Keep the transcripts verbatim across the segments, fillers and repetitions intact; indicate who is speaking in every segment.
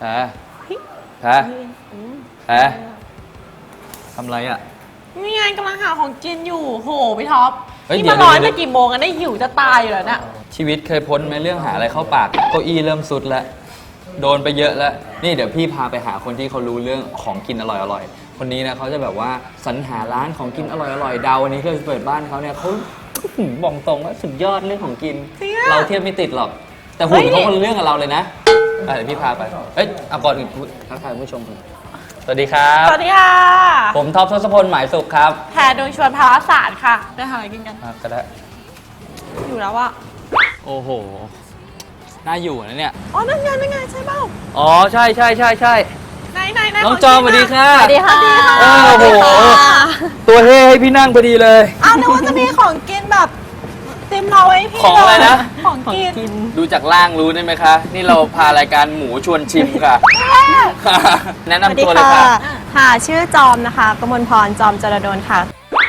Speaker 1: แพ้แพ้แพ้ทำไรอ่ะ
Speaker 2: นี่ไงกำลังหาของกินอยู่โหพี่ท็อป
Speaker 1: เฮ้ย
Speaker 2: นี่
Speaker 1: เดี๋ย
Speaker 2: มาว ร้อย
Speaker 1: เดี๋
Speaker 2: มา
Speaker 1: ยว
Speaker 2: กี่โมงกันได้หิวจะตายอยู่แล้วเนี่ย
Speaker 1: ชีวิตเคยพ้นไหมเรื่องหาอะไรเข้าปากเก้าอี้เริ่มสุดแล้วโดนไปเยอะแล้วนี่เดี๋ยวพี่พาไปหาคนที่เขารู้เรื่องของกินอร่อยๆคนนี้นะเขาจะแบบว่าสรรหาร้านของกินอร่อยๆดาววันนี้ที่เราจะเปิดบ้านเขาเนี่ยเขาบอกตรงว่าสุดยอดเรื่องของกิน เราเทียบไม่ติดหรอกแต่หุ่นเขาคนละเรื่องกับเราเลยนะเดี๋ยวพี่พาไปเอ้ยเอาก่อนอื่นทักทายผู้ชมก่อนสวัสดีครับ
Speaker 2: สวัสดีค่ะ
Speaker 1: ผมท็อปทศพลหมายสุขครับ
Speaker 2: แพรดวงชวนภาวศาสตร์ค่ะไปหาอะไรกินกัน
Speaker 1: อ่ะก็ได้
Speaker 2: อยู่แล้วอะ
Speaker 1: โอ้โหน่าอยู่นะเนี่ย
Speaker 2: อ๋อนั่นไงนั่นไงใช่เปล่า
Speaker 1: อ๋อใช่ใช่ใช่ใช่
Speaker 2: ไหนไหนไหน
Speaker 1: น้องจอมสวัสดีค่ะ
Speaker 2: สวัสดีค่ะ
Speaker 1: โอ้โหตัวเฮ้ให้พี่นั่งพอดีเลย
Speaker 2: อ้าวนึกว่าจะมีของกินแบบเต็มเราไว้พี่
Speaker 1: ของอะไรนะ
Speaker 2: ของกิน
Speaker 1: ดูจากล่างรู้ได้ไหมคะ นี่เราพารายการหมูชวนชิมค่ะ แนะนำตัวเลยค่ะ
Speaker 3: ค่ะ ชื่อจอมนะคะกมลพร จอมจรดลค่ะ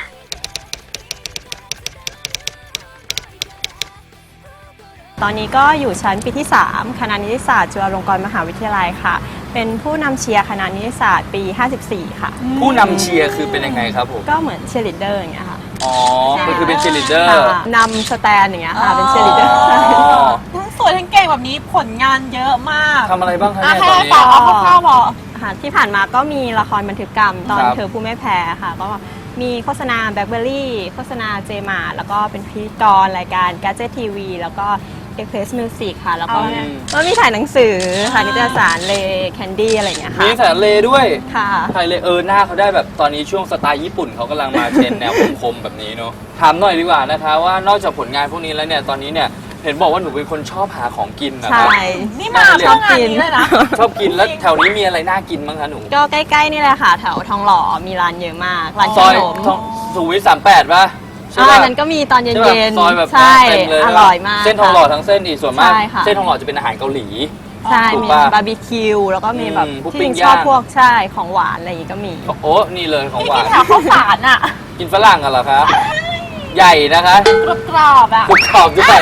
Speaker 3: ตอนนี้ก็อยู่ชั้นปีที่ สาม คณะนิติศาสตร์จุฬาลงกรณ์มหาวิทยาลัยค่ะ เป็นผู้นำเชียร์คณะนิติศาสตร์ปี ห้าสิบสี่ ค่ะ
Speaker 1: ผู้นำเชียร์คือเป็นยังไงครับผม
Speaker 3: ก็เหมือนเชียร์ลีดเดอร์อย่างเงี้ยค่ะ
Speaker 1: อ๋อมันคือเป็นเชียร์ลีดเดอร์
Speaker 3: ค่ะนำสแตนอย่างเงี้ยค่ะ เป็นเชียร์ลีดเดอร์
Speaker 2: ทั้งสวยทั้งเก่งแบบนี้ผลงานเยอะมาก
Speaker 1: ทำอะไรบ้างคะ
Speaker 2: อ่ะ
Speaker 1: เนี่ย
Speaker 2: ให้
Speaker 1: ตอนนี้
Speaker 2: ต่อเอาคร่าวๆบอก
Speaker 3: ค่ะที่ผ่านมาก็มีละครบันทึกกรรมตอน
Speaker 1: ครับ
Speaker 3: เธอผู้ไม่แพ้ค่ะ ก็มีโฆษณาแบล็คเบอร์รี่โฆษณาเจมาแล้วก็เป็นพิธีกรรายการ Gadget ที วี แล้วก็ Express Music ค่ะ แล้วก็
Speaker 2: เอาไง
Speaker 3: ก็มีถ่ายหนังสือค่ะนิตยสารเลแคนดี้อะไรอย่างเงี้ยค่ะ
Speaker 1: มีแสนเลด้วย
Speaker 3: ค่ะ
Speaker 1: ไทยเลเออหน้าเขาได้แบบตอนนี้ช่วงสไตล์ญี่ปุ่นเขากำลังมาเทรนแนวคมๆแบบนี้เนาะถามหน่อยดีกว่านะคะว่านอกจากผลงานพวกนี้แล้วเนี่ยตอนนี้เนี่ยเห็นบอกว่าหนูเป็นคนชอบหาของกินนะค
Speaker 3: ใช่
Speaker 1: รับ
Speaker 2: นี่มาเพราะงานนี้เลยนะ
Speaker 1: ชอบกินแล้วแถวนี้มีอะไรน่ากินบ้างคะหนู
Speaker 3: ก็ใกล้ๆนี่แหละค่ะ แถวทองหล่อมีร้านเยอะมาก ร้าน
Speaker 1: ซ
Speaker 3: ข
Speaker 1: อย
Speaker 3: นม
Speaker 1: ทองสุขุมวิทสามแปดป่ะใช่
Speaker 3: อ่า
Speaker 1: ป่ะ
Speaker 3: นั้นก็มีตอนเย็
Speaker 1: ใช่ป่ะ
Speaker 3: น
Speaker 1: ซอยแบบ
Speaker 3: ๆ ใช่
Speaker 1: เต็มเลย
Speaker 3: อร่อยมาก
Speaker 1: เส้นทองหล่อทั้งเส้นอีกส่วนมาก
Speaker 3: ใช่ค่ะ
Speaker 1: เส้นทองหล่อจะเป็นอาหารเกาหลี
Speaker 3: ใช่
Speaker 1: ถูก
Speaker 3: มี
Speaker 1: ปะ
Speaker 3: บาร์บีคิวแล้วก็มีแบบ
Speaker 1: อืมพวก
Speaker 3: ที่
Speaker 1: ปิ้
Speaker 3: จ
Speaker 1: ง
Speaker 3: ริงชอบ
Speaker 1: ย่าง
Speaker 3: พวกใช่ของหวานอะไรอย่างงี้ก็มี
Speaker 1: โอ้นี่เลยของ
Speaker 2: นี่
Speaker 1: หวา
Speaker 2: กิ
Speaker 1: น
Speaker 2: นแถวข้าวสารอ่ะ
Speaker 1: กินฝรั่งกันเหรอคะใหญ่นะคะ
Speaker 2: กรอบๆอ่ะ
Speaker 1: กรุบกรอบด้วย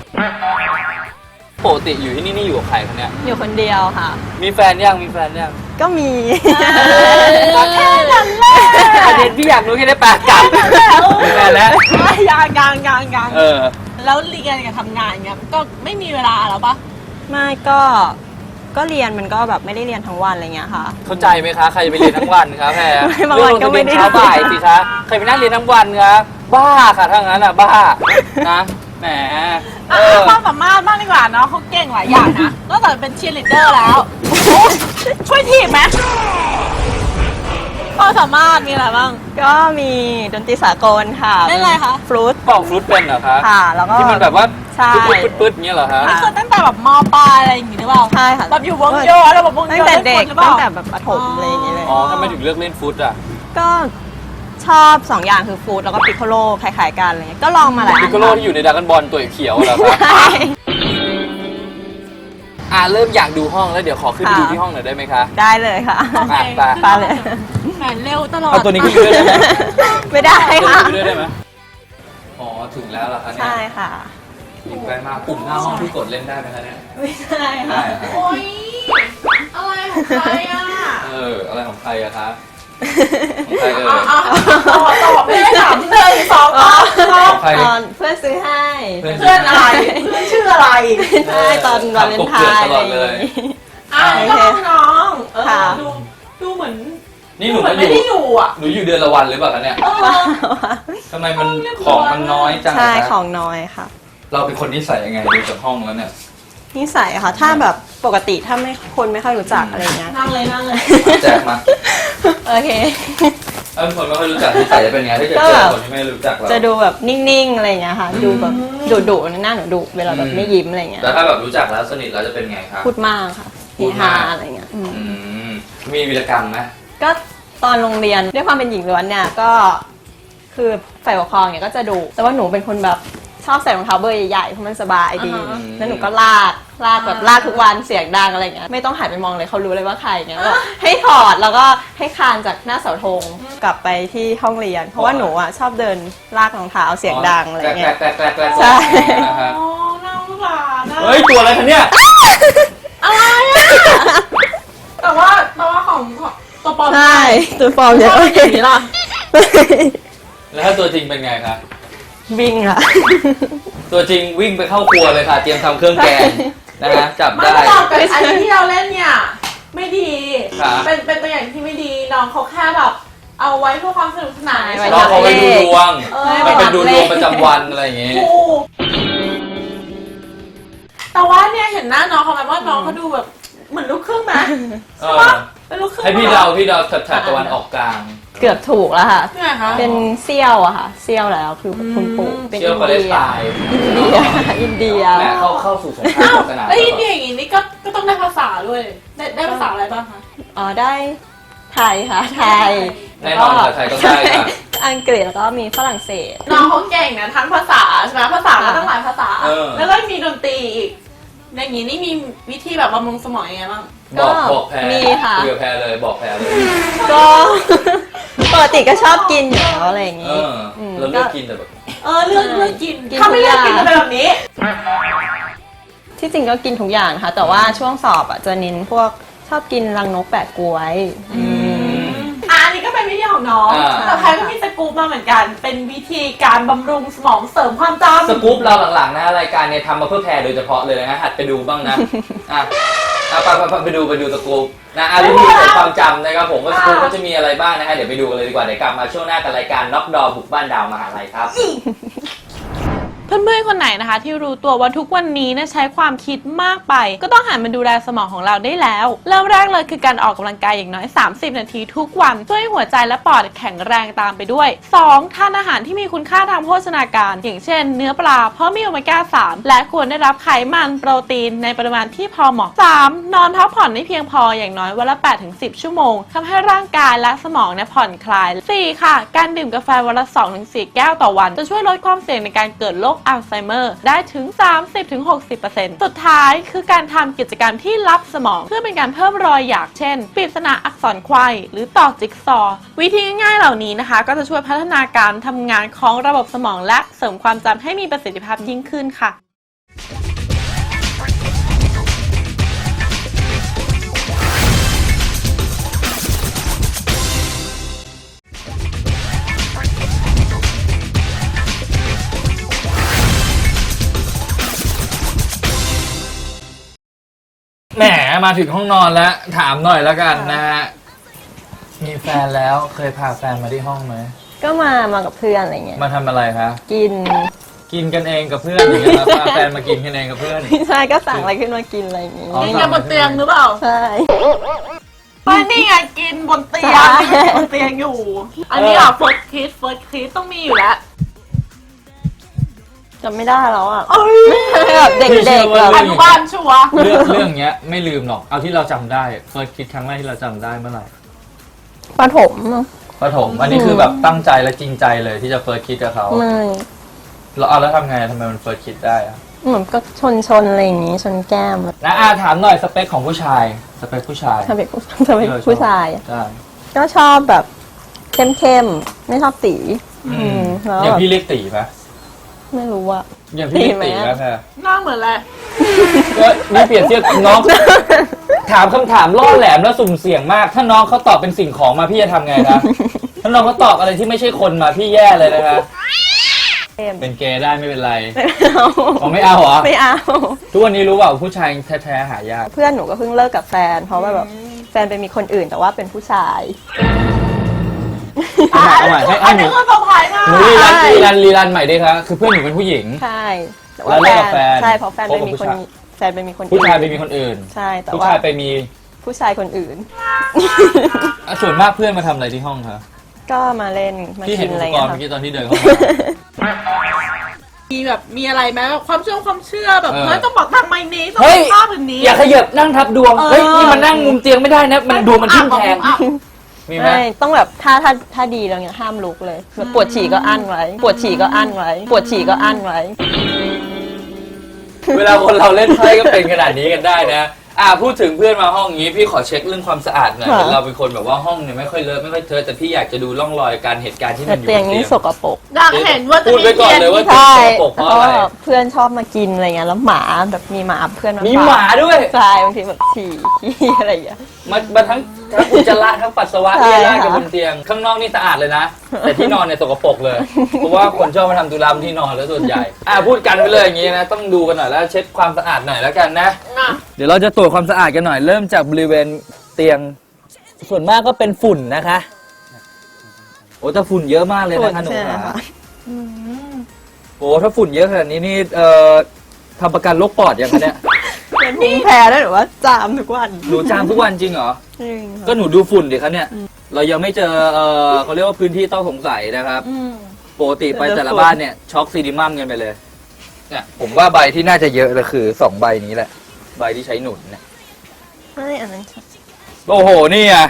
Speaker 1: ปกติอยู่ที่นี่นี่อยู่กับใครคะเนี่ย
Speaker 3: อยู่คนเดียวค่ะ
Speaker 1: มีแฟนยังมีแฟนยัง
Speaker 3: ก็มี
Speaker 2: ก็แค่นั้นแหละ
Speaker 1: ประเด็นพี่อยากรู้แค่ได้ปากกลับมีแฟนแล้ว
Speaker 2: ยางยางยางยาง
Speaker 1: เออ
Speaker 2: แล้วเรียนกับทำงานเงี้ยก็ไม่มีเวลาแล้วปะ
Speaker 3: ไม่ก็ก็เรียนมันก็แบบไม่ได้เรียนทั้งวันอะไรเงี้ยค่ะ
Speaker 1: เข้าใจไหมคะใครจะไปเรียนทั้งวันคะแพร
Speaker 3: ไม่บางวันก็ไม่ได้
Speaker 1: เรื่องลงทะเบียนเช้าบ่ายสิคะใครไปนั่งเรียนทั้งวันคะบ้าค่ะถ้างั้นอ่ะบ้านะแหมเอ
Speaker 2: อ่ะ
Speaker 1: อ
Speaker 2: ความสามารถบ้างดีกว่าเนาะเขาเก่งหลายอย่างนะนอกจากเป็นเชียร์ลีดเดอร์แล้วโอ้โหช่วยทีมไหมความสามารถมีอะไรบ้าง
Speaker 3: ก็มีดนตรีสากลค่ะ
Speaker 2: เล่นอะไรคะ
Speaker 3: ฟลูต
Speaker 1: เป่าฟลุตเป็นเหรอคะ
Speaker 3: ค่ะ แล้วก็
Speaker 1: ที่มันแบบว่า
Speaker 3: ใช่
Speaker 1: ปึ๊ดปึ๊ดปึ๊ดอย่างเงี้ยเหรอคะ
Speaker 2: นี่คือตั้งแต่แบบมปลายอะไรอย่างงี้หรือเปล่า
Speaker 3: ใช่ค่ะ
Speaker 2: แบบอยู่วงโยแล้วแบบวงโย
Speaker 3: ตั้งแต่เด็ก
Speaker 2: ล่นฟุตหรือเป
Speaker 3: ตั้
Speaker 2: ล่าง
Speaker 3: แต่แบบประถมอะไรอย่างเงี้ยเลย
Speaker 1: อ๋อทำไมถึงเลือกเล่นฟุตอ่ะ
Speaker 3: ก็ชอบสองอย่างคือฟลูตแล้วก็ปิโคโลคล้ายๆกันอะไรเงี้ยก็ลองมาหลายอั
Speaker 1: พิ
Speaker 3: น
Speaker 1: กโกโลที่อยู่ในดราก้อนบอลตัวเขียวเหรอคะ
Speaker 3: ใช่
Speaker 1: อ่าเริ่มอยากดูห้องแล้วเดี๋ยวขอขึ้นไป
Speaker 3: ค่ะ
Speaker 1: ดูที่ห้องหน่อยได้ไหมคะ
Speaker 3: ได้เลยค่ะ
Speaker 2: โอเค
Speaker 1: ไป
Speaker 3: ไปเลย
Speaker 2: แหมเร็วตลอด
Speaker 1: เอาตัวนี้ขึ้นไปด้วยได้ไหม
Speaker 3: ไม่ได้
Speaker 1: ตัว
Speaker 3: ค่ะ
Speaker 1: นี้ขึ้นไปด้วยได้ไหมอ๋อถึงแล้วเหรอคะเนี่ย
Speaker 3: ใช่ค่ะ
Speaker 1: อยู่ใกล้มากปุ่มหน้าห้องที่กดเล่นได้ไหมคะเนี่ย
Speaker 3: ไม่ใช่
Speaker 1: ได้
Speaker 3: ค่ะ
Speaker 1: ครับ
Speaker 2: โอ๊ยอะไรของใครอ่ะ
Speaker 1: เอออะไรของใครอะคะของใครเอ่ย
Speaker 2: อ่ะตอบตอบไม่ได้ถามที่เลยสองตอบตอบ
Speaker 1: ของใคร
Speaker 3: ตอนเพื่อนซื้อให้
Speaker 1: เพื่อน
Speaker 2: เพื่อนอะไรเพื่อนชื่ออะไร
Speaker 3: ใช่ตอนวาเลนไทน์
Speaker 1: ตลอดเลย
Speaker 2: อ้าวน้องน้องเออ
Speaker 3: ค่ะ
Speaker 2: ดูดูเหมือน
Speaker 1: นี่หนู
Speaker 2: เหมื
Speaker 1: มา
Speaker 2: อน
Speaker 1: อ
Speaker 2: ไม่
Speaker 1: ยู่
Speaker 2: ได้อยู่อ่ะ
Speaker 1: หนูอยู่เดือนละวันหรือเปล่าคะเนี่ย
Speaker 2: เออ
Speaker 1: ทำไมมันของมันน้อยจัง
Speaker 3: ใช่
Speaker 1: อะ
Speaker 3: ข
Speaker 1: คะ
Speaker 3: องน้อยค่ะ
Speaker 1: เราเป็นคนนิสัยยังไงดูจากห้องแล้วเนี่ย
Speaker 3: นิสัยค่ะ ถ้าแบบปกติถ้าไม่คนไม่ค่อยรู้จักอะไรเงี้ย
Speaker 2: นั่งเลยนั่งเลย
Speaker 1: แจกมา
Speaker 3: โอเค
Speaker 1: เออคนไม่ค่อยรู้จักนิสัยจะเป็นไงถ้าเกิด
Speaker 3: ก็
Speaker 1: เจ
Speaker 3: แบ
Speaker 1: อบ คนที่ไม่รู้จักเรา
Speaker 3: จะดูแบบนิ่งๆอะไรเงี้ยค่ะ ดูแบบดุดุๆหน้าหนูดุเวลาแบบไม่ยิ้มอะไรเงี้ย
Speaker 1: แต่ถ้าแบบรู้จักแล้วสนิทแล้วจะเป็นไงครับ
Speaker 3: พูดมากค่ะ
Speaker 1: พู
Speaker 3: เฮ
Speaker 1: ดมาก
Speaker 3: ฮาอะไรเงี้ยอืม
Speaker 1: อืมมีวีรกรรมไหม
Speaker 3: ก็ตอนโรงเรียนด้วยความเป็นหญิงล้วนเนี่ยก็คือฝ่ายปกครองเนี่ยก็จะดุแต่ว่าหนูเป็นคนแบบชอบใส่รองเท้าเบอร์ใหญ่ๆเพราะมันสบายดี
Speaker 2: อ่าฮะ
Speaker 3: แล้วหนูก็ลากลากแบบลากทุกวันเสียงดังอะไรเงี้ยไม่ต้องหันไปมองเลยเขารู้เลยว่าใครเงี้ยก็ให้ถอดแล้วก็ให้คลานจากหน้าเสาธงกลับไปที่ห้องเรียน เพราะว่าหนูอ่ะชอบเดินลากรองเท้าเสียงดังอะไรเงี้ย
Speaker 1: แกลกแกลกแกลกแกลก
Speaker 3: ใช่
Speaker 1: นะครับ
Speaker 2: อ๋อน่าสงสารนะ
Speaker 1: เฮ้ยตัวอะไรคะเนี่ย
Speaker 2: อะไรอ่ะของตัวปลอม
Speaker 3: ใช่ตัวฟอร์มเย
Speaker 2: ช
Speaker 3: อะ
Speaker 2: อบอย่างนี้ล่ะ
Speaker 1: แล้วถ้าตัวจริงเป็นไงคะ
Speaker 3: วิ่งค่ะ
Speaker 1: ตัวจริงวิ่งไปเข้าครัวเลยค่ะ เตรียมทำเครื่องแกงนะฮะจับ
Speaker 2: ไม่
Speaker 1: ได้
Speaker 2: ตอบกับอันนี้ที่เราเล่นเนี่ย ไม่ดี
Speaker 1: ครับ
Speaker 2: เป็นเป็นตัวอย่างที่ไม่ดีน้องเขาแค่แบบเอาไว้เพื่อความสนุกสนาน
Speaker 3: ไว้
Speaker 1: น้องเขาไปดูดวง
Speaker 2: เออ
Speaker 1: มันเป็นดูดวงประจำวันอะไรอย่างงี้
Speaker 2: ถูกแต่ว่าเนี่ยเห็นหน้าน้องเขาไหมว่าน้องเขาดูแบบเหมือนลูกครึ่งไหม
Speaker 1: เอ
Speaker 2: ใช่
Speaker 1: อ
Speaker 2: ปะเป็นลูกครึ่ง
Speaker 1: ให้พี่เดาพี่เดาแถบๆตะวันออกกลาง
Speaker 3: เกือบถูกแล้วค่ะ
Speaker 2: ที่ไหนคะ
Speaker 3: เป็นเซี่ยวอะค่ะเซี่ยวแล้วคือคุณปู่เป็น
Speaker 1: เชื่
Speaker 3: อิ
Speaker 1: อน ปาเล
Speaker 3: เดี
Speaker 1: ส
Speaker 3: ย
Speaker 1: ไตน์
Speaker 3: อินเดียอินเดีย
Speaker 1: แม่เข้าเข้าสู่สงคราม
Speaker 2: อ้าว
Speaker 1: ศาสนา
Speaker 2: แล้วอินเดียอย่างงี้นี่ก็ก็ต้องได้ภาษาด้วย ได้ได้ภาษาอะไรบ้างคะ
Speaker 3: อ๋อได้ไทยค่ะไทย
Speaker 1: แน่นอนภาษาไทยก็ได้ค่ะ
Speaker 3: อังกฤษแล้วก็มีฝรั่งเศส
Speaker 2: น้องเขาเก่งนะทั้งภาษาใช่ไหมภาษาก็ต้องหลายภาษา
Speaker 1: เออ
Speaker 2: แล้วก็มีดนตรีอีกอย่างนี้นี่มีวิธีแบบบำรุงสมองยังไงบ้าง
Speaker 1: บอกบอกแพร
Speaker 3: มีค่ะ
Speaker 1: คุยกับแพรเลยบอกแพรเลย
Speaker 3: ก็ ปกติก็ชอบกินอยู่แล้วอะไรอย่าง
Speaker 1: เอ
Speaker 3: งี้
Speaker 1: อเราเลือกกินแต่แบบ
Speaker 2: เออเลือกเลือกกิน
Speaker 3: กิน
Speaker 2: ถ้าไม่เลือก
Speaker 3: ทุ
Speaker 2: กิ
Speaker 3: ก
Speaker 2: น
Speaker 3: อย่าง
Speaker 2: จะเป็นแบบนี้
Speaker 3: ที่จริงก็กินทุกอย่างค่ะ แต่ว่าช่วงสอบอ่ะจะเน้นพวกชอบกินรังนกแปะกล้วยอืม
Speaker 2: อ่ะอันนี้ก็เป็นวิธีของน้อง
Speaker 1: อ่า
Speaker 2: แต่แพรก็มีสกู๊ปมาเหมือนกัน เป็นวิธีการบำรุงสมองเสริมความจำ
Speaker 1: สกู๊ปเราหลังๆนะรายการเนี่ยทำมาเพื่อแพรโดยเฉพาะเลยนะหัดไปดูบ้างนะอ่ะเอาไปไปไปไปดูไปดูสกู๊ปนะอ่ะวิธีเสริมความจำนะครับผมว่าสกู๊ปก็จะมีอะไรบ้างนะฮะเดี๋ยวไปดูกันเลยดีกว่าเดี๋ยวกลับมาช่วงหน้ากับรายการน็อกดอบุกบ้านดาวมหาลัยครับ
Speaker 2: เพื่อนๆคนไหนนะคะ ที่รู้ตัวว่าทุกวันนี้นะใช้ความคิดมากไป ก็ต้องหันมาดูแลสมองของเราได้แล้วเริ่มแรกเลยคือการออกกำลังกายอย่างน้อย สามสิบ นาทีทุกวันช่วยให้หัวใจและปอดแข็งแรงตามไปด้วย สอง ทานอาหารที่มีคุณค่าทางโภชนาการ อย่างเช่น เนื้อปลาเพราะมีโอเมก้า สาม และควรได้รับไขมันโปรตีนในปริมาณที่พอเหมาะ สาม นอนพักผ่อนให้เพียงพออย่างน้อยวันละ แปดถึงสิบ ชั่วโมงทำให้ร่างกายและสมองเนี่ยผ่อนคลาย สี่ ค่ะ การดื่มกาแฟวันละ สองถึงสี่ แก้วต่อวันจะช่วยลดความเสี่ยงในการเกิดโรคอัลไซเมอร์ได้ถึง สามสิบถึงหกสิบเปอร์เซ็นต์ สุดท้ายคือการทำกิจกรรมที่ลับสมองเพื่อเป็นการเพิ่มรอยหยักเช่นปริศนาอักษรควายหรือต่อจิ๊กซอว์วิธีง่ายๆเหล่านี้นะคะก็จะช่วยพัฒนาการทำงานของระบบสมองและเสริมความจำให้มีประสิทธิภาพยิ่งขึ้นค่ะ
Speaker 1: แหมมาถึงห้องนอนแล้วถามหน่อยแล้วกันนะฮะมีแฟนแล้วเคยพาแฟนมาที่ห้องไหม
Speaker 3: ก็มามากับเพื่อนอะไรเงี้ย
Speaker 1: มาทำอะไรคะ
Speaker 3: กิน
Speaker 1: กินกันเองกับเพื่อนอย่างเงี้ยครับพาแฟนมากินกันเองกับเพื่อน
Speaker 3: พี่ชายก็สั่งอะไรขึ้นมากินอะไรอย่างงี้
Speaker 1: อ๋อ
Speaker 2: กินกันบนเตียงหรือเปล่า
Speaker 3: ใช่
Speaker 2: ไม่นี่ไงกินบนเตียง
Speaker 3: ใช่
Speaker 2: บนเตียงอยู่ อันนี้อ่ะ first kiss first kiss ต้องมีอยู่แล้ว
Speaker 3: จำไม่ได้แล้วอ่ะ
Speaker 2: เอ้ย
Speaker 3: แบบเด็กๆแบบ
Speaker 2: อนุบาลชัวร์
Speaker 1: เรื่องเรื่องเนี้ยไม่ลืมหรอกเอาที่เราจำได้เฟิร์สคิดครั้งแรกที่เราจำได้เมื่อไหร่
Speaker 3: ประถม
Speaker 1: ประถมอันนี้คือแบบตั้งใจและจริงใจเลยที่จะเฟิร์สคิดกับเขา
Speaker 3: ไม่
Speaker 1: เราเอาแล้วทำไงทำไมมันเฟิร์สคิดได้อะ
Speaker 3: เหมือนก็ชนชนอะไรอย่างงี้ชนแก้ม
Speaker 1: นะอาถามหน่อยสเปคของผู้ชายสเปคผู้ชาย
Speaker 3: ถ้าเป็นผู้ถ้าเป็นผู้ชายอะ
Speaker 1: ใช่
Speaker 3: ก็ชอบแบบเข้มๆไม่ชอบตี อืมแล้ว
Speaker 1: อย่าง
Speaker 3: แบบ
Speaker 1: พี่เรียกตีไหม
Speaker 3: ไม่รู้ว่า
Speaker 1: อย่างพี่เรียกตี
Speaker 3: ตีไหม
Speaker 1: ไหม
Speaker 3: อะ
Speaker 1: แค่
Speaker 2: หน้าเหมือนอะไร
Speaker 1: ก็นี่เปลี่ยนเสื้อน้อง ถามคำถามล่อแหลมแล้วสุ่มเสี่ยงมาก ถ้าน้องเขาตอบเป็นสิ่งของมาพี่จะทำไงนะ ถ้าน้องเขาตอบอะไรที่ไม่ใช่คนมาพี่แย่เลยนะคะ
Speaker 3: เข้ม
Speaker 1: เป็นเกย์ได้ไม่เป็นไร
Speaker 3: ไม่เอา
Speaker 1: อ๋อไม่เอาเหรอ
Speaker 3: ไม่เอา
Speaker 1: ทุกวันนี้รู้เปล่าผู้ชายแท้ๆหายาก
Speaker 3: เพื่อนหนูก็เพิ่งเลิกกับแฟน เพราะว่าแบบแฟนไปมีคนอื่นแต่ว่าเป็นผู้ชาย
Speaker 1: เอาใหม่เอาใหม่ให้
Speaker 2: อั
Speaker 1: ให้
Speaker 2: น
Speaker 1: หนู
Speaker 2: นี้คือเซอร์ไพรส์มาก
Speaker 1: หนูรีรันรีรันรีรันใหม่ดิคะคือเพื่อนหนูเป็นผู้หญิง
Speaker 3: ใช่แต่
Speaker 1: แล้วเลิกกับแฟน
Speaker 3: ใช่เพราะแฟนไปมี
Speaker 1: คบกับผู้
Speaker 3: คน
Speaker 1: ชาย
Speaker 3: แฟนไปมีคนอื่น
Speaker 1: ผู้ชายไปมีคนอื่น
Speaker 3: ใช่แต่
Speaker 1: ผู้
Speaker 3: ว่า
Speaker 1: ชายไปมี
Speaker 3: ผู้ชายคนอื่น
Speaker 1: อ่ะส่วนมากเพื่อนมาทำอะไรที่ห้องคะ
Speaker 3: ก็มาเล่นมา
Speaker 1: พี่
Speaker 3: กิ
Speaker 1: เห็น
Speaker 3: น
Speaker 1: อุ
Speaker 3: อะไร
Speaker 1: ปก
Speaker 3: เงี้
Speaker 1: ร
Speaker 3: ย
Speaker 1: ณ์
Speaker 3: ค่ะ
Speaker 1: เมื่อกี้ตอนที่เดินเข้ามา
Speaker 2: มีแบบมีอะไรไหมความเชื่อความเชื่อแบบ
Speaker 1: เออ
Speaker 2: เฮ้ยต้องบอกทางไมนี้ต้อง
Speaker 1: เฮ้ย
Speaker 2: ภาพแบบนี้
Speaker 1: อย่าขยับนั่งทับดวง
Speaker 2: เออ
Speaker 1: เฮ้ยนี่มันนั่งมุมเตียงไม่ได้นะมันดวงมันทิ่มแทง
Speaker 2: อ่ะ
Speaker 1: มีไหม
Speaker 3: ไม่ต้องแบบถ้าถ้าถ้าดีแล้วเนี่ยห้ามลุกเลยแบบปวดฉี่ก็อั้นไว้ ปวดฉี่ก็อั้นไว้ ปวดฉี่ก็อั้นไว้
Speaker 1: เวลาคนเราเล่นไพ่ก็เป็นขนาดนี้กันได้นะ อ่าพูดถึงเพื่อนมาห้องนี้พี่ขอเช็คเรื่องความสะอาดหน่อย
Speaker 3: ค่ะ
Speaker 1: เห็นเราเป็นคนแบบว่าห้องเนี่ยไม่ค่อยเลอะไม่ค่อยเทอะแต่พี่อยากจะดูร่องรอยการเหตุการณ์ที่มั
Speaker 3: แต่
Speaker 1: นอยู่บ
Speaker 3: เตียง
Speaker 1: น
Speaker 3: นี้
Speaker 1: เตียง
Speaker 3: สกปรก
Speaker 2: อยากเห็นว่าจะ
Speaker 1: พูด
Speaker 2: มี
Speaker 1: ไว้ก่อนเลยว่า
Speaker 3: ใช่
Speaker 1: สกปรกเพ
Speaker 3: เพ
Speaker 1: ราะ
Speaker 3: ราะ
Speaker 1: อะไร
Speaker 3: ว่าเพื่อนชอบมากินอะไรเงี้ยแล้วหมาแบบมีหมาเพื่อนมา
Speaker 1: มี
Speaker 3: ฝก
Speaker 1: หมาด้วย
Speaker 3: ใช่บางทีแบบฉี่ขี้อะไรอย่างเงี้ย
Speaker 1: มามาทั้งทั้งอุจจาระทั้งปัสสาวะ
Speaker 3: ใช่
Speaker 1: เลี่ยราด
Speaker 3: ค่ะ
Speaker 1: กันบนเตียงข้างนอกนี่สะอาดเลยนะ แต่ที่นอนเนี่ยสกปรกเลย เพราะว่าคนชอบมาทำตุลามที่นอนแล้วส่วนใหญ่อ่ะพูดกันไปเลยอย่างนี้นะต้องดูกันหน่อยแล้วเช็ดความสะอาดหน่อยแล้วกันนะ
Speaker 2: อ่ะ
Speaker 1: เดี๋ยวเราจะตรวจความสะอาดกันหน่อยเริ่มจากบริเวณเตียงส่วนมากก็เป็นฝุ่นนะคะโอ้แต่ฝุ่นเยอะมากเลย
Speaker 3: ฝุ่น
Speaker 1: นะคะหนู
Speaker 3: ใช่ไหม
Speaker 1: ขา
Speaker 3: คะ
Speaker 1: โอ้ถ้าฝุ่นเยอะขนาดนี้นี่เอ่อทำประกันโรคปอดยังคะเนี่ย
Speaker 3: เป็นภูมิแพ้ด้วยหรือว่าจามทุกวัน
Speaker 1: หนูจามทุกวันจริงเหรอ
Speaker 3: จริงค่ะ
Speaker 1: ก็หนูดูฝุ่นดิครับเนี่ย เรายังไม่เจอเออเขาเรียกว่าพื้นที่ต้องสงสัยนะครับ
Speaker 2: อืม
Speaker 1: ปกติไปแต่ละบ้านเนี่ยช็อกซีดิมัมกันไปเลยเนี่ยผมว่าใบที่น่าจะเยอะเลยคือสองใบนี้แหละ ใบที่ใช้หนุนเนี่ย
Speaker 3: ไม่อันนั้น
Speaker 1: โอ้โห นี่อ่ะ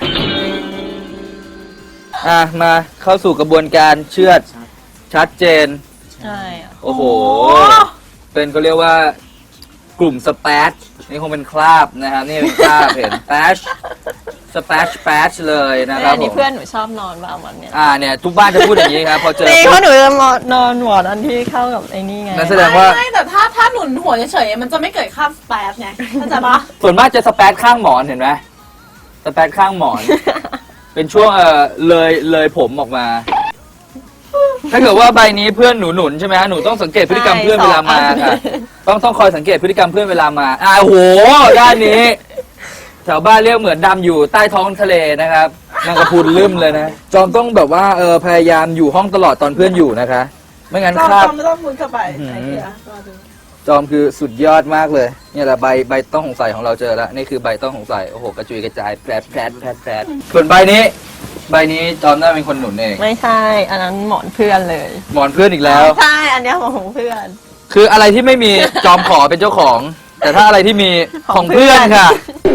Speaker 1: อ่ะ มาเข้าสู่กระบวนการเชือดชัดเจน
Speaker 3: ใช่อะ
Speaker 1: โอ้โห
Speaker 2: โอ้
Speaker 1: เป็นก็เรียกว่ากลุ่มสแปชนี่คงเป็นคราบนะครับนี่เป็นคราบ เห็นแปชสแปชแปชเลยนะครับ
Speaker 3: อัน
Speaker 1: ผ
Speaker 3: นี้
Speaker 1: ม
Speaker 3: เพื่อนหนูชอบนอนบ้างวันเนี้ย
Speaker 1: อ่าเนี่ยทุกบ้านจะพูดอย่างนี้ครับพอเจอ
Speaker 3: จริงเพราะหนูจะนอนหมอนอันที่เข้ากับไอ้นี่ไง
Speaker 1: นั่นแสดงว่า
Speaker 2: ไม่แต่ถ้าถ้าหนุนหัวเฉยๆมันจะไม่เกิดค่าสแปซไงเข้าใจปะ
Speaker 1: ส่วนมากจะสแปชข้างหมอนเห็นไหมสแปชข้างหมอน เป็นช่วงเออเลยเลยผมออกมา ถ้าเกิดว่าใบนี้เพื่อนหนูหนุนใช่ไหมฮะหนูต้องสังเกตพฤติกรรมเพื่อนเวลามาค่ะต้องต้องคอยสังเกตพฤติกรรมเพื่อนเวลามาอ่าโหด้านนี้แถวบ้านเรียกเหมือนดำอยู่ใต้ท้องทะเลนะครับนางกระพุนลืมเลยนะจอมต้องแบบว่าเออพยายามอยู่ห้องตลอดตอนเพื่อนอยู่นะคะ ไม่งั้น
Speaker 2: จอม
Speaker 1: คราบ
Speaker 2: จอมไม่ต้องมุดเข้าไป
Speaker 1: อื้อหือ
Speaker 2: ไอเดียรอดู
Speaker 1: จอมคือสุดยอดมากเลยเนี่ยแหละใบใบต้องสงสัยของเราเจอแล้วนี่คือใบต้องสงสัยโอ้โหกระจุยกระจายแผลดแผลดแผลดแผลดส่วนใบนี้ ใบนี้จอมน่าเป็นคนหนุนเอง
Speaker 3: ไม่ใช่ อันนั้นหมอนเพื่อนเลย
Speaker 1: หมอนเพื่อนอีกแล้ว
Speaker 3: ใช่ อันเนี้ยของเพื่อน
Speaker 1: คืออะไรที่ไม่มีจอมขอเป็นเจ้าของ แต่ถ้าอะไรที่มีข
Speaker 3: ข
Speaker 1: อ
Speaker 3: อง ง
Speaker 1: เพื่อน
Speaker 3: เพื่อน
Speaker 1: ค่ะ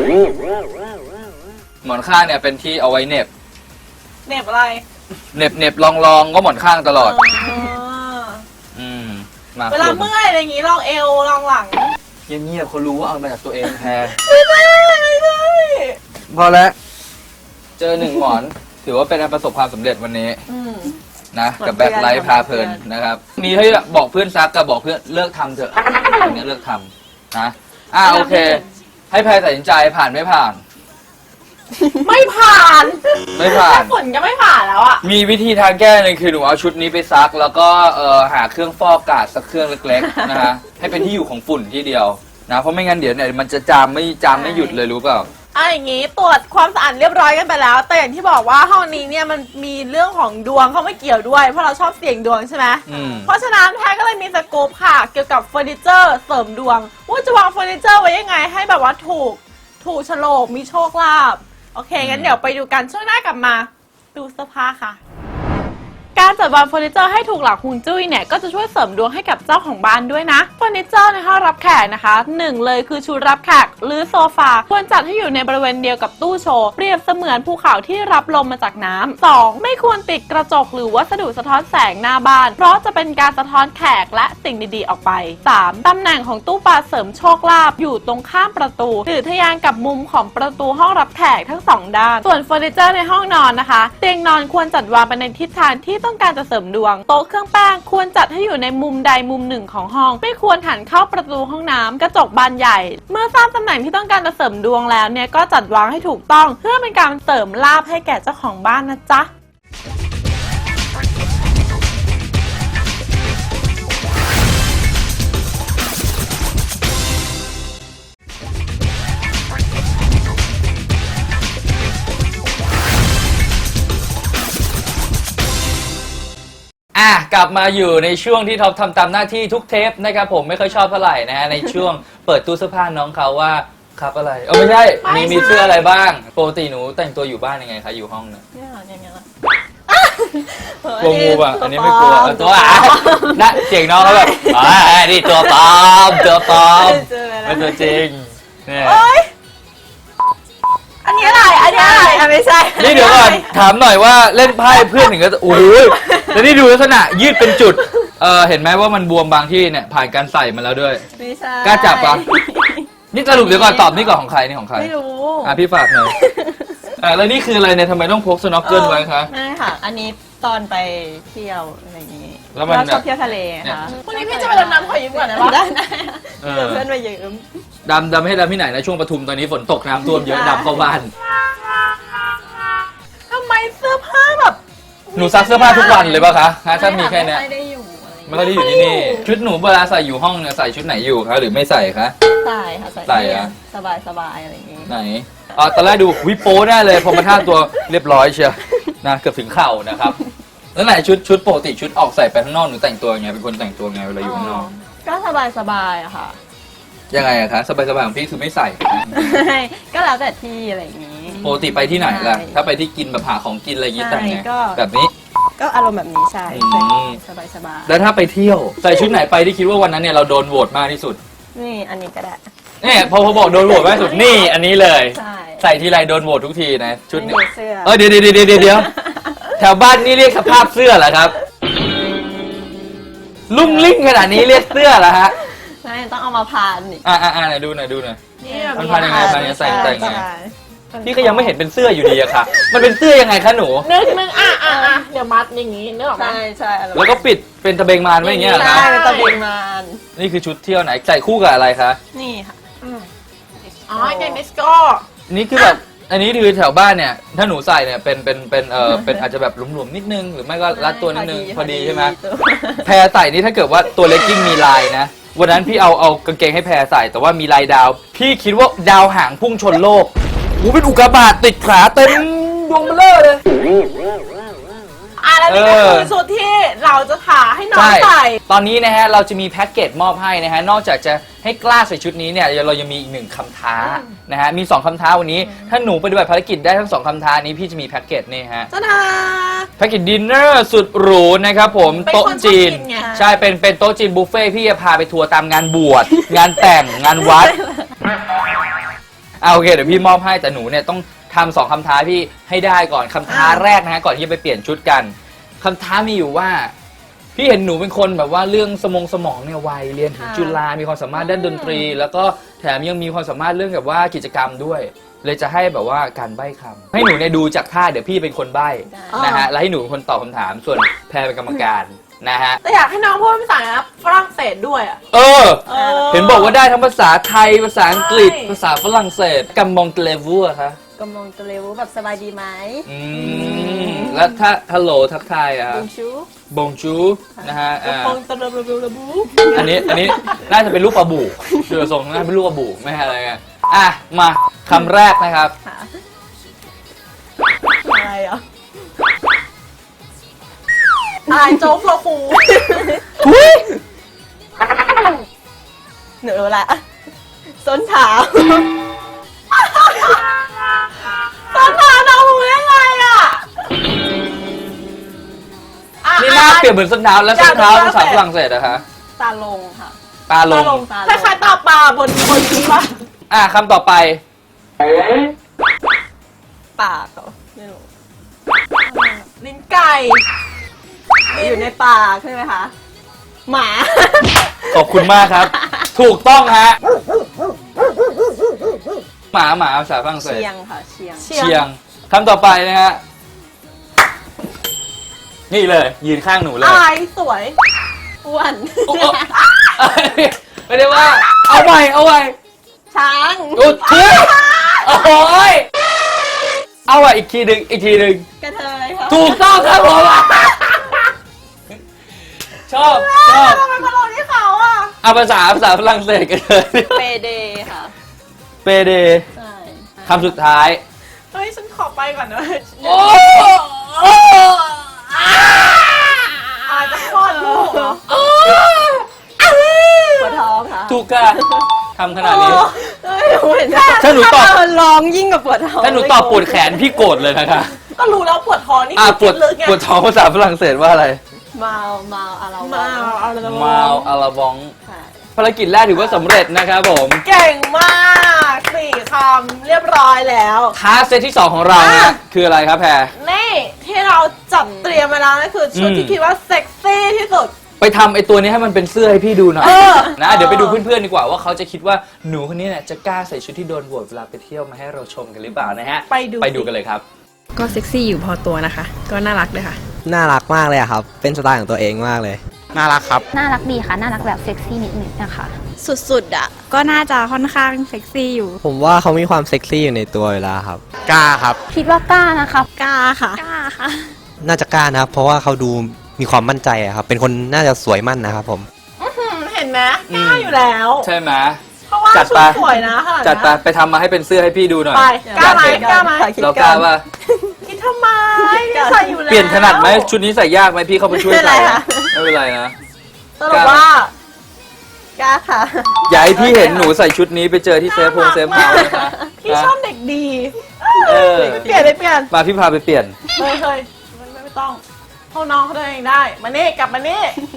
Speaker 1: หมอนข้างเนี่ยเป็นที่เอาไว้เหน็บ
Speaker 2: เหน็บอะไร
Speaker 1: เหน็บเหน็บลองลองก็หมอนข้างตลอด
Speaker 2: อ๋อ
Speaker 1: อืมมา
Speaker 2: เวลาเมื่อยอะไรอย่างงี้ลองเอวลองหลัง
Speaker 1: เงียบๆเขารู้ว่าเอามาจากตัวเองแทน
Speaker 2: ไม่ใช่ไม่ใช่ไม่ใช่
Speaker 1: พอแล้วเจอหนึ่งหมอน ถือว่าเป็นการประสบความสำเร็จวันนี้
Speaker 2: อืม
Speaker 1: นะกับแบ็คไลท์พาเพลินนะครับ มีให้บอกเพื่อนซักกับบอกเพื่อนเลิกทำเถอะอันนี้เลิกทำนะอ่าโอเค ให้แพรตัดสินใจผ่านไม่ผ่าน
Speaker 2: ไม่ผ่าน
Speaker 1: ไม่ผ่าน
Speaker 2: แค่ฝนก็ไม่ผ่านแล้วอ่ะ
Speaker 1: มีวิธีทางแก้หนึงคือหนูเอาชุดนี้ไปซัก แล้วก็เออหาเครื่องฟอกอากาศสักเครื่องเล็กๆ นะฮะให้เป็นที่อยู่ของฝุ่นที่เดียวนะเพราะไม่งั้นเดี๋ยวเนี่ยมันจะจามไม่จามไม่หยุดเลยรู้เปล่า
Speaker 2: อ่ะอย่างงี้ตรวจความสะอาดเรียบร้อยกันไปแล้ว แต่อย่างที่บอกว่าห้องนี้เนี่ยมันมีเรื่องของดวงเข้ามาเกี่ยวด้วยเพราะเราชอบเสี่ยงดวงใช่ไหม
Speaker 1: อืม
Speaker 2: เพราะฉะนั้นแพทย์ก็เลยมีสกู๊ปค่ะ เกี่ยวกับเฟอร์นิเจอร์เสริมดวง ว่าจะวางเฟอร์นิเจอร์ไว้ยังไงให้แบบว่าถูกถูกโฉลกมีโชคลาภโอเค งั้นเดี๋ยวไปดูกันช่วงหน้ากลับมา ดูเสื้อผ้าค่ะ การจัดวางเฟอร์นิเจอร์ให้ถูกหลักฮวงจุ้ยเนี่ยก็จะช่วยเสริมดวงให้กับเจ้าของบ้านด้วยนะเฟอร์นิเจอร์ในห้องรับแขกนะคะหนึ่งเลยคือชุดรับแขกหรือโซฟาควรจัดให้อยู่ในบริเวณเดียวกับตู้โชว์เปรียบเสมือนภูเขาที่รับลมมาจากน้ำ สอง ไม่ควรติดกระจกหรือวัสดุสะท้อนแสงหน้าบ้าน เพราะจะเป็นการสะท้อนแขกและสิ่งดีๆออกไป สาม ตำแหน่งของตู้ปลาเสริมโชคลาภอยู่ตรงข้ามประตูหรือทะแยงกับมุมของประตูห้องรับแขกทั้งสองด้านส่วนเฟอร์นิเจอร์ในห้องนอนนะคะเตียงนอนควรจัดวางไปในทิศทางที่ต้องการจะเสริมดวงโต๊ะเครื่องแป้งควรจัดให้อยู่ในมุมใดมุมหนึ่งของห้องไม่ควรหันเข้าประตูห้องน้ำกระจกบานใหญ่ เมื่อทราบตำแหน่งที่ต้องการจะเสริมดวงแล้วเนี่ยก็จัดวางให้ถูกต้องเพื่อเป็นการเสริมลาภให้แก่เจ้าของบ้านนะจ๊ะ
Speaker 1: อ่ะกลับมาอยู่ในช่วงที่ท็อปทำตามหน้าที่ทุกเทปนะครับผมไม่ค่อยชอบเท่าไหร่นะฮะในช่วงเปิดตู้เสื้อผ้าน้องเขาว่าครับอะไรเออไม่ใช่
Speaker 2: ไม่
Speaker 1: มี
Speaker 2: ใช่
Speaker 1: มีเสื้ออะไรบ้างปกติหนูแต่งตัวอยู่บ้านยังไงคะอยู่ห้องเนี่ย
Speaker 3: เนี่ยอย่างเงี้ย
Speaker 1: กลัวงูป่ะอันนี้ไม่กลัวเออตัวอ่ะนะเสียงน้องเขาแบบอ่านี่ตัวปลอมตัวปลอม
Speaker 3: เจอแล้ว
Speaker 1: เป็นตัวจริงเนี่ย
Speaker 2: เอ้ยอันนี้อะไรอันนี้อะไร
Speaker 3: อ่ะไม่ใช่
Speaker 1: นี่เดี๋ยวก่อนถามหน่อยว่าเล่นไพ่เพื่อนถึงก็โอ้ยแล้วนี่ดูลักษณะยืดเป็นจุดเออเห็นไหมว่ามันบวมบางที่เนี่ยผ่านการใส่มาแล้วด้วย
Speaker 3: ไม่ใช่
Speaker 1: กล้าจับปะ นี่สรุปเดี๋ยวก่อนตอบนี่ก่อนของใครนี่ของใคร
Speaker 3: ไม่รู้
Speaker 1: อ่ะพี่ฝากหน่อยอ่ะแล้วนี่คืออะไรเนี่ยทำไมต้องพกสโนว์เกิลไว้คะ
Speaker 3: ไม่ค่ะ อันนี้ตอนไปเที่ยวอะไรอย่างงี้
Speaker 1: แล้วมัน
Speaker 3: เราชอบ
Speaker 1: แบบ
Speaker 3: เที่ยวทะเล
Speaker 1: เนี่ย
Speaker 3: ค่ะ
Speaker 2: พรุ่งนี้พี่จะไปดำน้ำขอยืมก่อนได้ปะ
Speaker 3: ได้ได้
Speaker 1: เออ
Speaker 3: เดี๋ยวเพื่อนมายืม
Speaker 1: ดำดำให้ดำที่ไหนนะช่วงปทุมตอนนี้ฝนตกน้ำท่วมเยอะดำเข้าบ้านหนูซักเสื้อผ้าทุกวันเลยป่ะคะฮะถ้ามีแค่เนี้ย
Speaker 3: ไม่ได้อยู่อะไรอย่าง
Speaker 1: ไม่
Speaker 3: เงี้ย
Speaker 1: ค่อยได้อยู่ที่นี่ชุดหนูเวลาใส่อยู่ห้องเนี่ยใส่ชุดไหนอยู่คะหรือไม่ใส่คะ
Speaker 3: ใส่ค่ะ
Speaker 1: ใส่
Speaker 3: ใส่
Speaker 1: อะ
Speaker 3: สบายสบายๆอะไรอย่างงี้
Speaker 1: ไหนอ๋อตอนแรกดูวิโป้แน่เลยพอมาท่าตัวเรียบร้อยเชียวนะเกือบถึงเข่านะครับแล้วไหนชุดชุดปกติชุดออกใส่ไปข้างนอกหนูแต่งตัวยังไงเป็นคนแต่งตัวไงเวลาอยู่ข้างนอก
Speaker 3: ก็สบายสบายๆอะค่ะ
Speaker 1: ยังไงอะคะสบายๆของพี่คือไม่ใส่
Speaker 3: ก็แล้วแต่ที่อะไรอย่างงี้
Speaker 1: ปกติไปที่ไหนล่ะ
Speaker 3: ใช่
Speaker 1: ถ้าไปที่กินแบบหาของกินอะไรอย่างงี้
Speaker 3: ใช่
Speaker 1: แต่งไง
Speaker 3: ก็
Speaker 1: แบบนี้
Speaker 3: ก็อารมณ์แบบนี้ใช่
Speaker 1: อืม
Speaker 3: สบายสบาย
Speaker 1: แล้วถ้าไปเที่ยวใส่ชุดไหนไปที่คิดว่าวันนั้นเนี่ยเราโดนโหวตมากที่สุด
Speaker 3: ๆนี่อันนี้ก็ได้
Speaker 1: เนี่ยพอพอบอกโดนโหวตมากที่สุดนี่อันนี้เลย
Speaker 3: ใช่
Speaker 1: ใส่ทีไรโดนโหวตทุกทีนะชุด
Speaker 3: ไม่
Speaker 1: นี้
Speaker 3: มีเสื้อ
Speaker 1: เออเดี๋ยวเดี๋ยวเดี๋ยวเดี๋ยวเดี๋ยวแถวบ้านนี่เรียกสภาพเสื้อเหรอครับลุ่งลิ่งขนาดนี้เรียกเสื้อเหรอฮะ
Speaker 3: ใช่ต้องเอามาพานอีก
Speaker 1: อ่าอ่าไหนดูหน่อยดูหน่อย
Speaker 2: นี่
Speaker 1: มันพันยังไงพันยังไงใส่ใส่ไง
Speaker 3: ใช่
Speaker 1: พี่ก็ยังไม่เห็นเป็นเสื้ออยู่ดีอะค่ะ มันเป็นเสื้อยังไงคะหนู
Speaker 2: นึกนึกอ่ะอ่ะอ่ะเดี๋ยวมัดอย่างงี้นึกออกไหม
Speaker 3: ใช่ใช่อารมณ์
Speaker 1: แล้วก็ปิดเป็นตะเบงมานไว้อย่างเงี้ยเหรอ
Speaker 3: ใช่
Speaker 1: คะ
Speaker 3: เป็นตะเบงมาน
Speaker 1: นี่คือชุดเที่ยวไหนใส่คู่กับอะไรคะ
Speaker 3: นี่ค่ะ
Speaker 2: อ๋ออย่างดิสโก้
Speaker 1: นี่คือแบบอันนี้คือแถวบ้านเนี่ย ถ้าหนูใส่เนี่ยเป็นเป็นเป็นเออเป็นอาจจะแบบหลวมๆนิดนึง หรือไม่ก็รัดตัวนิดนึงพอดีใช่ไหม
Speaker 3: ตัว
Speaker 1: แพรใส่นี่ถ้าเกิดว่าตัวเลกกิ้งมีลายนะ วันนั้นพี่เอาเอากางเกงให้แพรใส่แต่ว่ามีลายดาว พี่คิดว่าดาวหางพุ่งชนโลกโอ้เป็นอุกกาบาตติดขาเต็มดวงเบลอเลย
Speaker 2: อ่ะแล้วนี่ก็
Speaker 1: เออ
Speaker 2: คือชุดที่เราจะถาให้น้อง
Speaker 1: ใช่
Speaker 2: ใส่
Speaker 1: ตอนนี้นะฮะเราจะมีแพ็กเกจมอบให้นะฮะนอกจากจะให้กล้าใส่ชุดนี้เนี่ยเรายังมีอีกหนึ่งคำท้านะฮะมีสองคำท้าวันนี้ ถ้าหนูปฏิบัติภารกิจได้ทั้งสองคำท้านี้พี่จะมีแพ็กเกจนี่ฮะ
Speaker 2: จ้าดา
Speaker 1: แพ็กเกจดินเนอร์สุดหรูนะครับผม
Speaker 2: เป็นคน
Speaker 1: โต๊ะจีน
Speaker 2: ชอบกินไง
Speaker 1: ใช่เป็นเป็นโต๊ะจีนบุฟเฟ่ต์พี่จะพาไปทัวร์ตามงานบวช งานแต่งงานวัดเอาโอเคเดี๋ยวพี่มอบให้แต่หนูเนี่ยต้องทำสองคำท้าพี่ให้ได้ก่อนคำท้าแรกนะฮะก่อนที่จะไปเปลี่ยนชุดกันคำท้ามีอยู่ว่า พี่เห็นหนูเป็นคนแบบว่าเรื่องสมองสมองเนี่ยไวเรียนถึงจุฬามีความสามารถด้านดนตรี แล้วก็แถมยังมีความสามารถเรื่องแบบว่ากิจกรรมด้วย เลยจะให้แบบว่าการใบ้คำให้หนูเนี่ยดูจากท่าเดี๋ยวพี่เป็นคนใบ้นะฮะแล้วให้หนูเป็นคนตอบคำถามส่วนแพรเป็นกรรมการนะฮะ
Speaker 2: แต่อยากให้น้องพูดภาษาฝรั่งเศสด้วยอ่ะ
Speaker 1: เออ
Speaker 2: เออ
Speaker 1: เห็นบอกว่าได้ทั้งภาษาไทยภาษาอังกฤษ
Speaker 2: ใช่
Speaker 1: ภาษาฝรั่งเศสกัมมองเตเลวูอะคะ
Speaker 3: กำลังจะเร็วแบบสบายดีไหม
Speaker 1: อืมแล้วถ้าฮัลโหลทักทายอะ
Speaker 3: บุญชู
Speaker 1: บงจูนะฮะอ่า
Speaker 2: ปองตะระระระบู
Speaker 1: อันนี้อันนี้น่าจะเป็นลูกปลาบู่ดูทรงน่าเป็นลูกปลาบู่ไม่ใช่อะไรไงอ่ะมาคำแรกนะครับ
Speaker 3: ค่ะอะไรอ่ะ
Speaker 2: อะไรโจ๊กโลคู
Speaker 3: หนูรู้ละส้นเท้า
Speaker 2: ตอนทานน้องรู้ได้ไงอ่ะอ่ะ
Speaker 1: นี่หน้าเปรียบเหมือนส้นเท้าแล้วส้นเท้า
Speaker 2: อยากดู
Speaker 1: ภาษา
Speaker 2: ฝ
Speaker 1: ฝ
Speaker 2: รั่
Speaker 1: รั่
Speaker 2: ง
Speaker 1: ง
Speaker 2: เศ
Speaker 1: เศ
Speaker 2: ส
Speaker 1: สอะคะ
Speaker 3: ตาลงค่ะ
Speaker 1: ตาลง
Speaker 3: ตาลง
Speaker 2: คล้ายๆตาปลาบนบนนี้ปะ
Speaker 1: อ่ะคำต่อไป
Speaker 3: ปากเหรอไม่รู้
Speaker 2: ลิ้นไก่
Speaker 3: อยู่ในปากใช่ไหมคะ หมา
Speaker 1: ขอบคุณมากครับ ถูกต้องฮะหมาหมาภาษาฝรั่งเศส
Speaker 3: เชียงค่ะ เชียง
Speaker 2: เชียง
Speaker 1: เชียงคำต่อไปนะฮะนี่เลย ยืนข้างหนูเลย
Speaker 2: อายสวย
Speaker 3: อ้วน
Speaker 1: โอ้โหไม่ได้ว่า เอาไว้เอาไว้
Speaker 3: ช้าง
Speaker 1: อุดทุยโอ้ยเอาไว้อีกทีหนึ่งอีกทีหนึ่ง
Speaker 3: กระเทยค่ะ
Speaker 1: ถูกต้องครับผมชอบชอบ
Speaker 2: ทำไมมาลงที่เขาอ่ะ
Speaker 1: เอาภาษาภาษาฝรั่งเศสกันเลย
Speaker 3: เปเดค่ะ
Speaker 1: เปเด
Speaker 3: ใช่
Speaker 1: คำสุดท้าย
Speaker 2: เฮ้ยฉันขอไปก่อนนะ
Speaker 1: โอ้
Speaker 2: อาจจะคลอดลูกเหรอ
Speaker 3: ปวดท้องค่ะ
Speaker 1: ถูกค่ะทำขนาดนี้
Speaker 3: เอ้ยหนูเห็น
Speaker 1: ถ้าหนูตอบ
Speaker 3: ร้องยิ่งกับปวดท้อง
Speaker 1: ถ้าหนูตอบปวดแขนพี่โกรธเลยนะคะ
Speaker 2: ก็รู้แล้วปวดท้องนี่
Speaker 1: อ่า
Speaker 2: คือ
Speaker 1: ปวด
Speaker 2: ลึกไง
Speaker 1: ปวดท้องภาษาฝรั่งเศสว่าอะไร
Speaker 3: เมาเมาอะไร
Speaker 2: มาเอาเลย
Speaker 1: มาวอาลาบอง
Speaker 3: ค่ะ
Speaker 1: ภารกิจแรกถือว่าสำเร็จนะครับผม
Speaker 2: เก่งมากสี่คำเรียบร้อยแล้ว
Speaker 1: ท้าเซตที่สองของเราเนี่ย
Speaker 2: อ่ะ
Speaker 1: คืออะไรครับแพร
Speaker 2: นี่ที่เราจัดเตรียมมาแล้วนั่นคือชุด
Speaker 1: อืม
Speaker 2: ที่คิดว่าเซ็กซี่ที่สุด
Speaker 1: ไปทำไอ้ตัวนี้ให้มันเป็นเสื้อให้พี่ดูหน่อย
Speaker 2: เออ
Speaker 1: นะ
Speaker 2: เออ
Speaker 1: เดี๋ยวไปดูเพื่อนๆดีกว่าว่าเขาจะคิดว่าหนูคนนี้เนี่ยจะกล้าใส่ชุดที่โดนโหวตเวลาไปเที่ยวมาให้เราชมกันหรือเปล่านะฮะ
Speaker 2: ไปดู
Speaker 1: ไปดูกันเลยครับ
Speaker 4: ก็เซ็กซี่อยู่พอตัวนะคะ ก็น่ารักด้วยค่ะ
Speaker 5: น่ารักมากเลยอะครับ เป็นสไตล์ของตัวเองมากเลย
Speaker 6: น่ารักครับ
Speaker 7: น่ารักดีค่ะ น่ารักแบบเซ็กซี่นิดนึงนะคะ
Speaker 3: สุดๆอ่ะ
Speaker 4: ก็น่าจะค่อนข้างเซ็กซี่อยู่
Speaker 5: ผมว่าเขามีความเซ็กซี่อยู่ในตัวอยู่แล้วครับ
Speaker 6: กล้าครับ
Speaker 7: คิดว่ากล้านะคะ
Speaker 4: กล้าค่ะ
Speaker 7: กล้าค่ะ
Speaker 5: น่าจะกล้านะครับ เพราะว่าเขาดูมีความมั่นใจอะครับ เป็นคนน่าจะสวยมั่นนะครับผม
Speaker 2: เห็นไหมกล้าอยู่แล้ว
Speaker 1: ใช่ไหม
Speaker 2: เพราะว่า
Speaker 1: จัด
Speaker 2: ชุ
Speaker 1: ไป
Speaker 2: ดสวยนะขนาด
Speaker 1: จัดไป
Speaker 2: เนี้ย
Speaker 1: ไปทำมาให้เป็นเสื้อให้พี่ดูหน่อย
Speaker 2: ไปกล้าไหม
Speaker 1: อยเห็น
Speaker 2: กล้าไหม
Speaker 1: เรากล้าป่ะ
Speaker 2: คิดทำไมนี่ใส่อยู่แล้ว
Speaker 1: เปลี่ยนถนัดไหมชุดนี้ใส่ยากไหมพี่เข้าไปช่วย
Speaker 3: ไม่เป็นไร
Speaker 1: ใส่
Speaker 3: ค่ะ
Speaker 1: ไม่เป็นไรนะ
Speaker 2: สรุปว่า
Speaker 3: กล้าค่ะ
Speaker 1: อย่าให้พี่เห็นหนูใส่ชุดนี้ไปเจอที่เซฟโฮงเซฟเฮาส์นะคะ
Speaker 2: พี่ชอบเด็กดี
Speaker 1: เออ
Speaker 2: เปลี่ยนเลยเปลี่ยน
Speaker 1: มาพี่พาไปเปลี่ยน
Speaker 2: เฮ้ยเฮ้ยไม่ไม่ไม่ต้องเขาน้องเขาเดินเองได้ มานี่กลับมานี่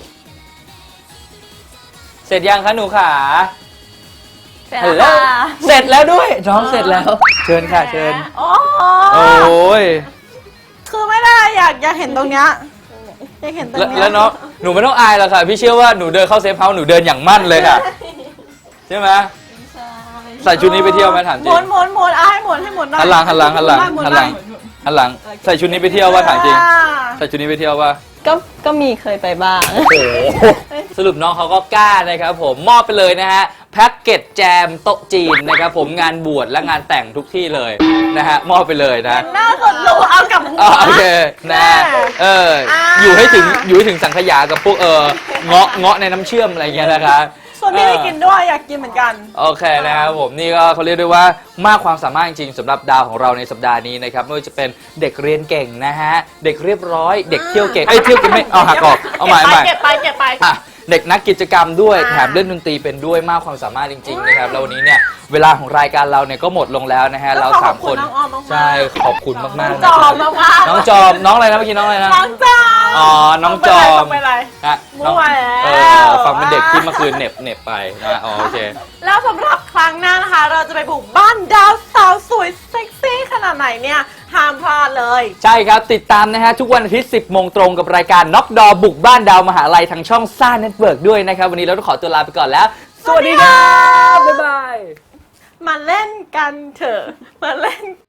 Speaker 1: เสร็จยังคะหนูขา
Speaker 3: เสร็จ
Speaker 1: ฮัล
Speaker 3: แล้ว
Speaker 1: โหล
Speaker 3: ค่ะ
Speaker 1: เสร็จแล้วด้วยน้องเสร็จแล้ว เชิญค่ะเชิญ
Speaker 2: โอ้
Speaker 1: โอ้ย
Speaker 2: คือไม่ได้อยากอยากเห็นตรงเนี้ยอยากเห็นตรง
Speaker 1: แล้ว
Speaker 2: เนี้ย
Speaker 1: แล้วน้องหนูไม่ต้องอายหรอกค่ะ พี่เชื่อว่าหนูเดินเข้าเซฟเฮาส์หนูเดินอย่างมั่นเลยค่ะ ใช่ไหมใส่ชุดนี้ไปเที่ยวไหมถามจ
Speaker 2: ห
Speaker 1: ริ
Speaker 2: มุ
Speaker 1: ง
Speaker 2: นหมุนหมุนเอาให้หมุนให้หมุนหน่อย
Speaker 1: หันหลังหันหลังหันหลัง
Speaker 2: มุ
Speaker 1: หันหลัง
Speaker 2: มุ
Speaker 1: หันหลังใส่ชุดนี้ไปเที่ยวว่าถามจริง
Speaker 2: อ่า
Speaker 1: ใส่ชุดนี้ไปเที่ยวว่า
Speaker 3: ก็ก็มีเคยไปบ้าง
Speaker 1: โอ้โหสรุปน้องเขาก็กล้านะครับผมมอบไปเลยนะฮะแพ็กเกจแจมโต๊ะจีนนะครับผมงานบวชและงานแต่งทุกที่เลยนะฮะมอบไปเลยนะ
Speaker 2: หน้าสดรู้เอากับหัว
Speaker 1: อ๋อโอเคนะเออ
Speaker 2: อ่า
Speaker 1: อยู่ให้ถึงอยู่ให้ถึงสังขยากับพวกเออเงาะเงาะในน้ำเชื่อมอะไรอย่างเงี้ยนะคะ
Speaker 2: ส่วนพี่ไม่กินด้วยอยากกินเหมือนกัน
Speaker 1: โอเคนะครับผมนี่ก็เขาเรียกได้ว่ามากความสามารถจริงๆสำหรับดาวของเราในสัปดาห์นี้นะครับไม่ว่าจะเป็นเด็กเรียนเก่งนะฮะเด็กเรียบร้อยเด็กเที่ยวเก่งเอ้ยเที่ยวเก่งไม่เอาหักออกเอาใหม่เอาใหม่
Speaker 2: เก็บไปเก็บไปเก็บไป
Speaker 1: อ่ะเด็กนักกิจกรรมด้วย
Speaker 2: อ่า
Speaker 1: แถมเล่นดนตรีเป็นด้วยมากความสามารถจริงๆนะครับแล้ววันนี้เนี่ยเวลาของรายการเราเนี่ยก็หมดลงแล้วนะฮะเราสามคน
Speaker 2: ขอบณน้องออมมากๆ
Speaker 1: ใช่ขอบคุณมากๆ
Speaker 2: น้อง
Speaker 1: นะ
Speaker 2: จอ
Speaker 1: ครั
Speaker 2: ม
Speaker 1: บ
Speaker 2: มากๆ
Speaker 1: น้องจอมน้องอะไรนะเมื่อกี้น้องอะไรนะ
Speaker 2: น้องจอม
Speaker 1: อ๋อน้องจอม
Speaker 2: ไปเลย
Speaker 1: นะ
Speaker 2: มั่วแล้ว
Speaker 1: เออฟังเป็นเด็กที่เมื่อคืนเหน็บเหน็บไปนะอ๋อโอเค
Speaker 2: แล้วสำหรับครั้งหน้านะคะ เราจะไปบุกบ้านดาวสาวสวยเซ็กซี่ขนาดไหนเนี่ยห้ามพลาดเลย
Speaker 1: ใช่ครับ ติดตามนะฮะ ทุกวันอาทิตย์ สิบโมงตรงกับรายการน็อกดอบุกบ้านดาวมหาลัยทางช่องซ่าเน็ตเวิร์กด้วยนะครับ วันนี้เราต้องขอตัวลาไปก่อนแล้ว สวัสดีครับ บ๊ายบาย
Speaker 2: มาเล่นกันเถอะ มาเล่น